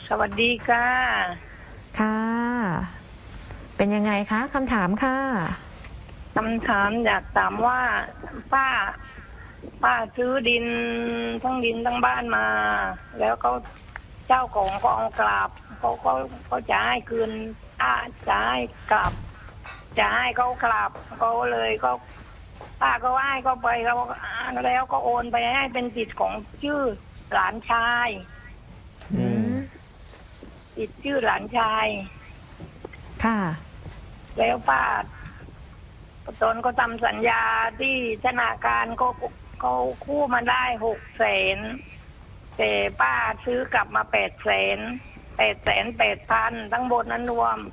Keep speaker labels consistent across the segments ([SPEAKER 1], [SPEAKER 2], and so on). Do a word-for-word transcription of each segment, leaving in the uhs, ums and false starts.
[SPEAKER 1] สวัสดีค่ะ
[SPEAKER 2] ค่ะเป็นยังไงคะคำถามค่ะ
[SPEAKER 1] คำถามอยากถามว่าป้าป้าซื้อดินทั้งดินทั้งบ้านมา แล้วเขาเจ้าของก็เอากลับเขาเขาเขาจะให้คืนอ่าจะให้กลับจะให้เขากลับเขาเลยก็ป้าก็ให้เขาไปเขาแล้วก็โอนไปให้เป็นสิทธิ์ของชื่อหลานชาย
[SPEAKER 2] อืม
[SPEAKER 1] สิทธิ์ชื่อหลานชาย
[SPEAKER 2] ค่ะ
[SPEAKER 1] แล้วป้าตนก็ทำสัญญาที่ธนาคารก็เขาคู่มาได้หกแสนแต่ป้าซื้อกลับมาแปดแสนแปดแสนแปดพันทั้งบนนั้นรวม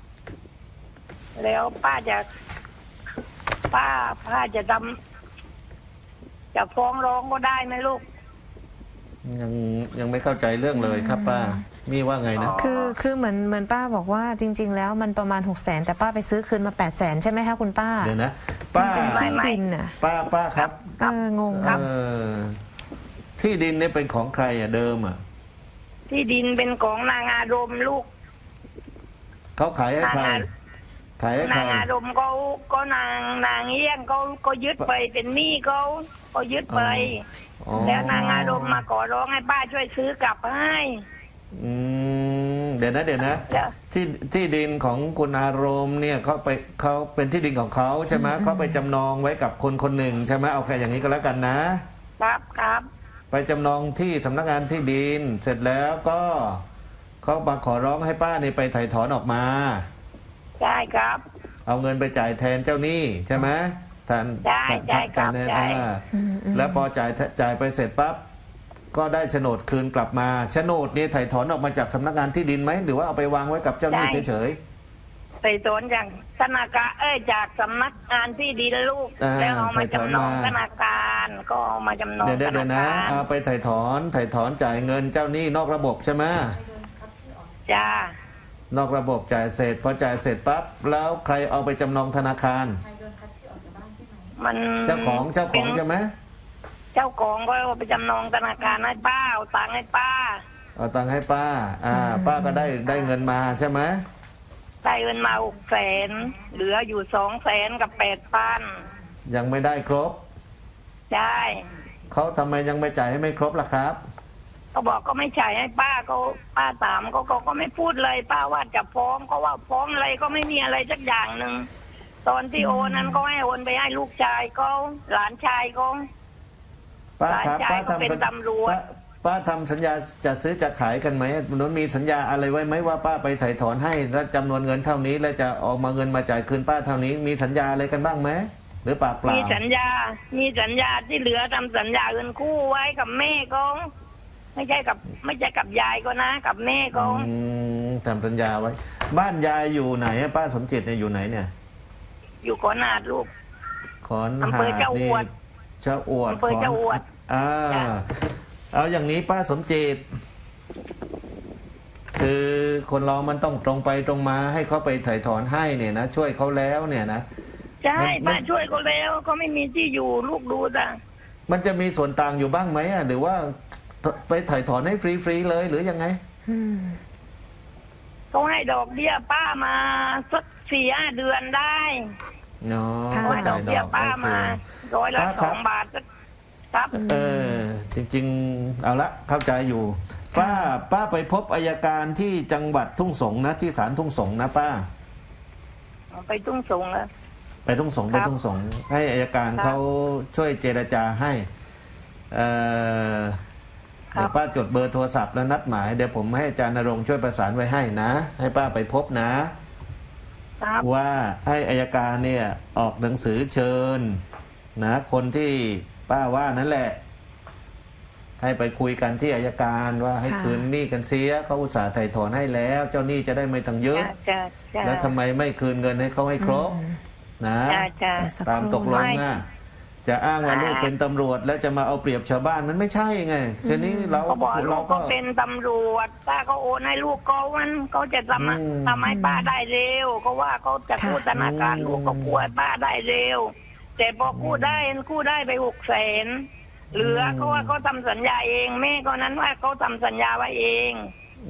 [SPEAKER 1] แล้วป้าจะป้าป้าจะทำจะฟ้องร้องก็ได้ไหมลูก
[SPEAKER 3] ยังยังไม่เข้าใจเรื่องเลยครับป้ามีว่าไงนะ
[SPEAKER 2] คือคือเหมือนเหมือนป้าบอกว่าจริงๆแล้วมันประมาณหกแสนแต่ป้าไปซื้อคืนมาแปดแสนใช่ไหมคะคุณป้า
[SPEAKER 3] เดี๋ยวนะป้า
[SPEAKER 2] เป็นที่ดินอ่ะ
[SPEAKER 3] ป้าป้าครับ
[SPEAKER 2] เอองง
[SPEAKER 3] เออที่ดินเนี่ยเป็นของใครอ่ะเดิมอ่ะ
[SPEAKER 1] ที่ดินเป็นของนางอารมณ์ลูก
[SPEAKER 3] เขาขายให้ใครขายให้ใคร
[SPEAKER 1] นางอารมณ์เขาก็นางนางเอี้ยงเขาก็ยึดไปเป็นหนี้เขาก็ยึดไปแล้วนางอารมณ์มาขอร้องให้ป้าช่วยซื้อกลับให้
[SPEAKER 3] อืมเดี๋ยวนะเดี๋ยวนะที่ที่ดินของคุณอารมณ์เนี่ยเขาไปเขาเป็นที่ดินของเขาใช่ไหมเขาไปจำนองไว้กับคนคนหนึ่งใช่ไหมเอาแค่อย่างนี้ก็แล้วกันนะครับ
[SPEAKER 1] ครับ
[SPEAKER 3] ไปจำนองที่สำนักงานที่ดินเสร็จแล้วก็เขามาขอร้องให้ป้านี่ไปไถ่ถอนออกมา
[SPEAKER 1] ใช่ครับ
[SPEAKER 3] เอาเงินไปจ่ายแทนเจ้าหนี้ใช่ไหมแทน
[SPEAKER 1] ใช่ใช่ครับใช่
[SPEAKER 3] แล้วพอจ่ายจ่ายไปเสร็จปั๊บก็ได้โฉนดคืนกลับมาโฉนดนี่ไถ่ถอนออกมาจากสำนักงานที่ดินไหมหรือว่าเอาไปวางไว้กับเจ้าหนี้เฉย
[SPEAKER 1] ๆไถ่ถอนจากธนาคารเอ้ยจากสำนักงานที่ดินลูกแล้วเอามาจำนองธนาคารก็เอามาจำนองธนาคารเดี๋ยว
[SPEAKER 3] นะเอาไปไถ่ถอนไถ่ถอนจ่ายเงินเจ้าหนี้นอกระบบใช่ไหม
[SPEAKER 1] จ้าน
[SPEAKER 3] อกระบบจ่ายเสร็จพอจ่ายเสร็จปั๊บแล้วใครเอาไปจำนองธนาคาร
[SPEAKER 1] มัน
[SPEAKER 3] เจ้าของเจ้าของใช่ไหม
[SPEAKER 1] เจ้าของก็ไปจำนองธนาคารให้ป้าเอาตังค์ให้ป้า
[SPEAKER 3] เอาตังค์ให้ป้าอ่าป้าก็ได้ได้เงินมาใช่ไหม
[SPEAKER 1] ได้เงินมาหกแสนเหลืออยู่สองแสนกับแปดพัน
[SPEAKER 3] ยังไม่ได้ครบ
[SPEAKER 1] ใช่
[SPEAKER 3] เขาทำไมยังไม่จ่ายให้ไม่ครบล่ะครับ
[SPEAKER 1] เขาบอกก็ไม่จ่ายให้ป้าเขาป้าถามเขาเขาก็ไม่พูดเลยป้าว่าจะฟ้องเขาว่าฟ้องอะไรก็ไม่มีอะไรสักอย่างหนึ่งตอนที่โอนนั้นก็ให้โอนไปให้ลูกชายเขาหลานชายเขา
[SPEAKER 3] ป้าครับป้าทำป้าป้าทำสัญญาจะซื้อจะขายกันไหมมันมีสัญญาอะไรไว้ไหมว่าป้าไปไถ่ถอนให้แล้วจำนวนเงินเท่านี้แล้วจะออกมาเงินมาจ่ายคืนป้าเท่านี้มีสัญญาอะไรกันบ้างไหมหรือปากเปล่า
[SPEAKER 1] มีสัญญามีสัญญาที่เหลือทำสัญญาเงินคู่ไว้กับแม่เขาไม่ใช่กับไม่ใช่กับยายก็นะกับแม่เขา
[SPEAKER 3] ทำสัญญาไว้บ้านยายอยู่ไหนป้าสมจิตเนี่ยอยู่ไหนเนี่ย
[SPEAKER 1] อยู่ขอนหาดลูก
[SPEAKER 3] ขอนหาดนี่เจ้าอวด
[SPEAKER 1] เจ้าอวด
[SPEAKER 3] อ่าเอาอย่างนี้ป้าสมจิตคือคนเรามันต้องตรงไปตรงมาให้เขาไปไถ่ถอนให้เนี่ยนะช่วยเขาแล้วเนี่ยนะ
[SPEAKER 1] ใช่ป้าช่วยเขาแล้วเขาไม่มีที่อยู่ลูกดูจ้ะ
[SPEAKER 3] มันจะมีส่วนต่างอยู่บ้างไหมอ่ะหรือว่าไปไถ่ถอนให้ฟรีๆเลยหรือยังไง
[SPEAKER 1] เขาให้ดอกเบี้ยป้ามาสักสี่ห้าเดือนได้
[SPEAKER 3] เนาะ
[SPEAKER 1] เขาให้ดอกเบี้ยป้ามาร้อยละสองบาทครับ
[SPEAKER 3] เออจริงๆเอาละเข้าใจอยู่ป้าป้าไปพบอัยการที่จังหวัดทุ่งสงนะที่ศาลทุ่งสงนะป้า
[SPEAKER 1] ไปทุ่งสงแล้ว
[SPEAKER 3] ไปทุ่งสงไปทุ่งสงให้อัยการเขาช่วยเจรจาให้เออเดี๋ยวป้าจดเบอร์โทรศัพท์แล้วนัดหมายเดี๋ยวผมให้อาจารย์ณรงค์ช่วยประสานไว้ให้นะให้ป้าไปพบนะว่าให้อัยการเนี่ยออกหนังสือเชิญนะคนที่ป้าว่านั่นแหละให้ไปคุยกันที่อัยการว่าให้คืนหนี้กันเสียเขาอุตส่าห์ไถ่ถอนให้แล้วเจ้าหนี้จะได้ไม่ต้องเยอะแล้วทำไมไม่คืนเงินให้เขาให้ครบนะตามตกลงนะจะอ้างว่าลูกเป็นตำรวจแล้วจะมาเอาเปรียบชาวบ้านมันไม่ใช่ไงทีนี้เรา
[SPEAKER 1] เราก็เป็นตำรวจป้าก็โอนให้ลูกเขามันเขาจะทำทำให้ป้าได้เร็วเขาว่าเขาจะกู้ธนาคารลูกก็กู้ให้ป้าได้เร็วแต่พอกู้ได้กู้ได้ไปหกแสนเหลือเขาว่าเขาทำสัญญาเองแม่ก็นั้นว่าเขาทำสัญญาไว้เอง
[SPEAKER 3] อืม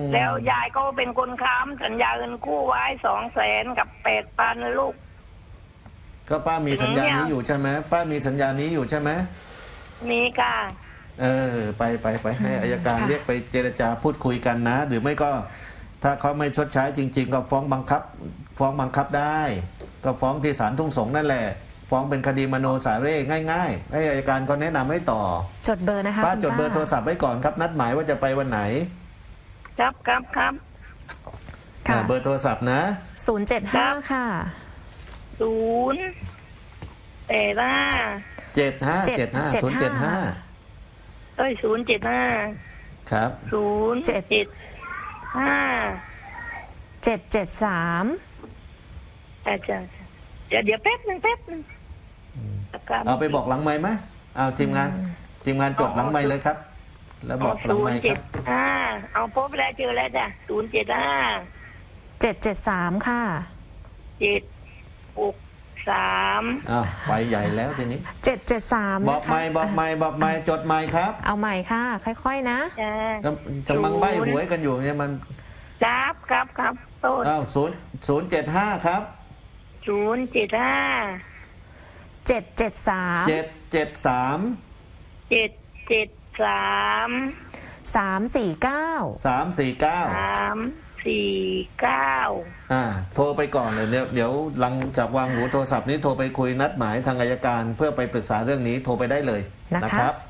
[SPEAKER 1] แล้วยายก็เป็นคนค้ำสัญญาเงินกู้ไว้สองแสนกับแปดพันลูก
[SPEAKER 3] ก็ป้ามีสัญญานี้อยู่ใช่ไหมป้ามีสัญญานี้อยู่ใช่ไหม
[SPEAKER 1] มีค่ะ
[SPEAKER 3] เออไปไปไปให้อัยการ
[SPEAKER 2] ค่ะ
[SPEAKER 3] เรียกไปเจรจาพูดคุยกันนะ หรือไม่ก็ถ้าเขาไม่ชดใช้จริง ๆ ก็ฟ้องบังคับ ฟ้องบังคับได้ ก็ฟ้องที่ศาลทุ่งสงนั่นแหละ ฟ้องเป็นคดีมโนสาเร่ง่ายๆให้อัยการก็แนะนำให้ต่อ
[SPEAKER 2] จดเบอร์นะคะ
[SPEAKER 3] ป้า
[SPEAKER 2] คุณ
[SPEAKER 3] จดเบอร์โทรศัพท์ไว้ก่อนครับนัดหมายว่าจะไปวันไหน
[SPEAKER 1] ครับครับครับ
[SPEAKER 2] ค่ะ
[SPEAKER 3] อ่าเบอร์โทรศัพท์นะ
[SPEAKER 2] ศูนย์เจ็ดห้าค่ะ
[SPEAKER 1] ศูนย์แต่ว่า
[SPEAKER 3] เจ็ดห้าเจ็ดห้าศูนย์เจ็ดห้า
[SPEAKER 1] เอ้ยศูนย์เจ็ดห้า
[SPEAKER 3] ครับ
[SPEAKER 1] ศูนย์เจ็ดห้า
[SPEAKER 2] เจ็ดเจ็ดสาม
[SPEAKER 1] อาจารย์เดี๋ยวเดี๋ยวแป๊บหนึ่งแป๊บหนึ่ง
[SPEAKER 3] เอาไปบอกหลังไม้ไหมเอาทีมงาน ทีมงานจดหลังไม้เลยครับ แล้วบอกหลัง
[SPEAKER 1] ศูน
[SPEAKER 3] ไม้
[SPEAKER 1] ย์
[SPEAKER 3] ค
[SPEAKER 1] เจ็
[SPEAKER 3] รั
[SPEAKER 1] ด
[SPEAKER 3] บ
[SPEAKER 1] ห้าเอาพบแล้วเจอแล้วจ้ะศูนย์เจ็ดห้า
[SPEAKER 2] เจ็ดเจ็ดสามค่ะ
[SPEAKER 1] เจ็ดหกสาม
[SPEAKER 3] อ้าวไปใหญ่แล้วทีนี้
[SPEAKER 2] เจ็ดเจ็ดสาม
[SPEAKER 3] บอก
[SPEAKER 2] นะคะ
[SPEAKER 3] ไม่บอกไม่บอกไม่จดไม่ครับ
[SPEAKER 2] เอาใหม่ค่ะ ค่อยๆนะ
[SPEAKER 1] จ้า
[SPEAKER 3] จะจะมังใบหวยกันอยู่เนี่ยมัน
[SPEAKER 1] ครับครับครับโต้น
[SPEAKER 3] อ้าวศูนย์ศูนย์เจ็ดห้าครับ
[SPEAKER 1] ศูนย์เจ็ดห้า
[SPEAKER 2] เจ็ดเจ็ดสาม
[SPEAKER 3] เจ็ดเจ็ดสาม
[SPEAKER 1] เจ็ดเจ็ดสาม
[SPEAKER 2] สามสี่เก้า
[SPEAKER 3] สามสี่เก้า
[SPEAKER 1] สามสี่เก้า
[SPEAKER 3] อ่าโทรไปก่อนเลยเดี๋ยวเดี๋ยวหลังจากวางหูโทรศัพท์นี้โทรไปคุยนัดหมายทางอัยการ เพื่อไปปรึกษาเรื่องนี้โทรไปได้เลย
[SPEAKER 2] นะคะ
[SPEAKER 3] นะครับ